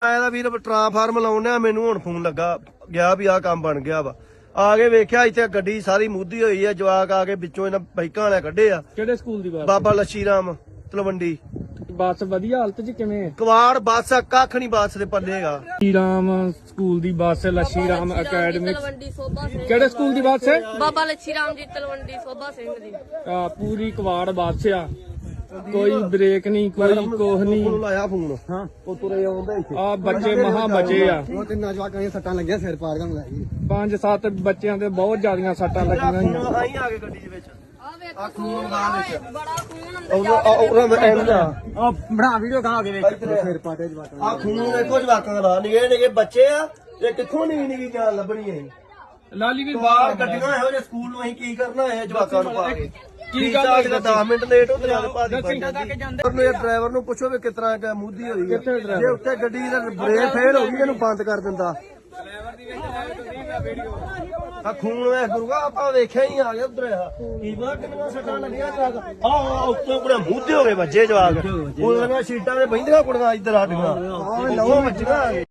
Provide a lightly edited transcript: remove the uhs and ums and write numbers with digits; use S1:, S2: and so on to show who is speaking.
S1: ਇਹਦਾ ਵੀਰ ਟ੍ਰਾਂਸਫਾਰਮ ਲਾਉਣੇ ਮੈਨੂੰ ਹੁਣ ਫੋਨ ਲੱਗਾ ਗਿਆ ਵੀ ਆਹ ਕੰਮ ਬਣ ਗਿਆ ਵਾ। ਆ ਕੇ ਵੇਖਿਆ ਇੱਥੇ ਗੱਡੀ ਸਾਰੀ ਮੁੱਦੀ ਹੋਈ ਆ। ਜਵਾਕ ਆ ਕੇ ਵਿੱਚੋਂ ਇਹਨਾਂ ਬਾਈਕਾਂ ਵਾਲੇ ਕੱਢੇ ਆ।
S2: ਕਿਹੜੇ ਸਕੂਲ ਦੀ ਬੱਸ?
S1: ਬਾਬਾ ਲੱਛੀ ਰਾਮ ਤਲਵੰਡੀ।
S2: ਬੱਸ ਵਧੀਆ ਹਾਲਤ 'ਚ ਕਿਵੇਂ?
S1: ਕਵਾੜ ਬੱਸ ਕੱਖ ਨਹੀਂ ਬੱਸ ਦੇ ਪੱਲੇਗਾ।
S2: ਲੱਛੀ ਰਾਮ ਸਕੂਲ ਦੀ ਬੱਸ, ਲੱਛੀ ਰਾਮ ਅਕੈਡਮੀ।
S3: ਤਲਵੰਡੀ ਸੋਭਾ ਸਿੰਘ।
S2: ਕਿਹੜੇ ਸਕੂਲ ਦੀ ਬੱਸ ਹੈ?
S3: ਬਾਬਾ ਲੱਛੀ ਰਾਮ ਜੀ ਤਲਵੰਡੀ ਸੋਭਾ ਸਿੰਘ ਦੀ।
S2: ਪੂਰੀ ਕਵਾੜ ਬੱਸ ਆ, ਕੋਈ ਬ੍ਰੇਕ ਨਹੀਂ, ਕੋਈ ਕੋਹ ਨਹੀਂ।
S1: ਉਹਨੂੰ ਲਾਇਆ ਫੋਨ।
S2: ਹਾਂ,
S1: ਉਹ ਤੁਰੇ ਆਉਂਦਾ ਇੱਥੇ।
S2: ਆ ਬੱਚੇ ਮਹਾ ਬਚੇ ਆ।
S4: ਉਹ ਤਿੰਨਾਂ ਜਵਾਕਾਂ ਦੀਆਂ ਸੱਟਾਂ ਲੱਗੀਆਂ, ਸਿਰ ਪਾੜ ਗਿਆ ਮਲਾਈ।
S2: 5-7 ਬੱਚਿਆਂ ਦੇ ਬਹੁਤ ਜ਼ਿਆਦੀਆਂ ਸੱਟਾਂ ਲੱਗੀਆਂ ਹੋਈਆਂ।
S1: ਆਈ ਆ ਕੇ ਗੱਡੀ ਦੇ ਵਿੱਚ
S3: ਆ ਵੇਖੋ
S1: ਆ ਖੂਨ ਲਗਾ ਵਿੱਚ।
S3: ਬੜਾ ਖੂਨ ਅੰਦਰ
S1: ਉਹ
S4: ਬਣਾ ਵੀਡੀਓ ਕਹਾਂ ਕੇ ਵੇਖ ਸਿਰ ਪਾਟੇ ਜਵਾਕਾਂ
S1: ਆ ਖੂਨ ਦੇਖੋ ਜਵਾਕਾਂ ਦਾ ਨਿਗੇ ਨਿਗੇ ਬੱਚੇ ਆ। ਇਹ ਕਿੱਥੋਂ ਨਿਗੀ ਜਾਨ ਲੱਭਣੀ ਹੈ।
S2: ਲਾਲੀ ਵੀ
S1: ਬਾਹਰ ਗੱਡੀਆਂ ਇਹੋ ਜਿਹੇ ਸਕੂਲ ਨੂੰ ਅਸੀਂ ਕੀ ਕਰਨਾ ਹੈ ਜਵਾਕਾਂ ਨੂੰ ਪਾ ਕੇ।
S2: ਕੀ ਗੱਲ ਹੋਈ?
S1: 10 ਮਿੰਟ ਲੇਟ ਹੁੰਦੇ ਆ ਭਾਜੀ ਨੂੰ। ਇਹ ਡਰਾਈਵਰ ਨੂੰ ਪੁੱਛੋ ਵੀ ਕਿਸ ਤਰ੍ਹਾਂ ਕਿ ਮੁੱਦੀ ਹੋਈ ਹੈ।
S2: ਕਿੱਥੇ driver?
S1: ਜੇ ਉੱਤੇ ਗੱਡੀ ਦਾ ਬ੍ਰੇਕ ਫੇਲ ਹੋ ਗਈ ਇਹਨੂੰ ਬੰਦ ਕਰ ਦਿੰਦਾ। ਆ ਖੂਨ ਵੇ ਗੁਰੂਆ ਆਪਾਂ ਵੇਖਿਆ ਹੀ ਆ ਗਿਆ ਉਧਰ ਆ ਕੀ ਪਤਾ ਕਿੰਨੀਆਂ ਸੱਟਾਂ ਲੱਗੀਆਂ ਟਰੱਕ ਆ ਉੱਤੇ ਕੁੜੇ ਮੁੱਦੇ ਹੋ ਗਏ ਬੱਚੇ ਜਵਾਕ। ਉਹਨਾਂ ਦੀਆਂ ਸੀਟਾਂ ਤੇ ਬਹਿੰਦੀਆਂ ਕੁੜੀਆਂ ਇੱਧਰ ਆਡੀਆਂ ਉਹ ਵੱਜੀਆਂ।